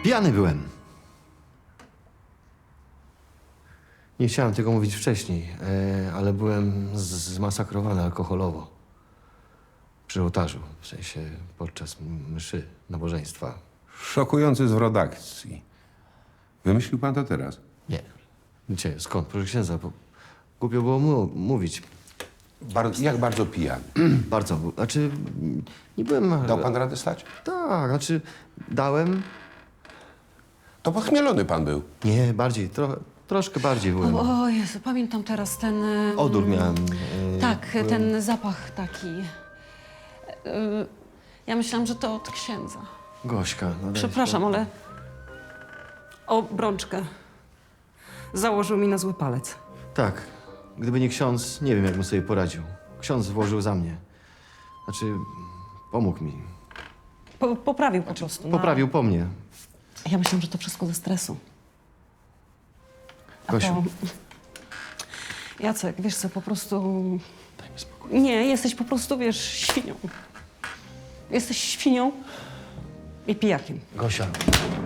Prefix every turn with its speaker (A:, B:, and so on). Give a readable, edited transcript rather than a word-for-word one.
A: Pijany byłem. Nie chciałem tego mówić wcześniej, ale byłem zmasakrowany alkoholowo. Przy ołtarzu, w sensie podczas mszy, nabożeństwa.
B: Szokujący zwrot akcji. Wymyślił pan to teraz?
A: Nie. Gdzie? Skąd? Proszę księdza, bo głupio było mówić.
B: Jak bardzo pijany?
A: Bardzo. Znaczy, nie byłem...
B: Dał pan radę stać?
A: Tak, znaczy, dałem...
B: To podchmielony pan był.
A: Nie, bardziej, troszkę bardziej byłem.
C: O Jezu, pamiętam teraz ten...
A: Odór miałem.
C: Tak, ten zapach taki. Ja myślałam, że to od księdza.
A: Gośka. No daj
C: Przepraszam, ale... Obrączkę. Założył mi na zły palec.
A: Tak. Gdyby nie ksiądz, nie wiem, jak bym sobie poradził. Ksiądz włożył za mnie. Znaczy, pomógł mi.
C: Poprawił po prostu.
A: Poprawił po mnie.
C: Ja myślałam, że to wszystko ze stresu. A
A: Gosiu.
C: to... Jacek, wiesz co, po prostu...
A: Daj mi spokój.
C: Nie, jesteś po prostu, wiesz, świnią. Jesteś świnią i pijakiem.
A: Gosia,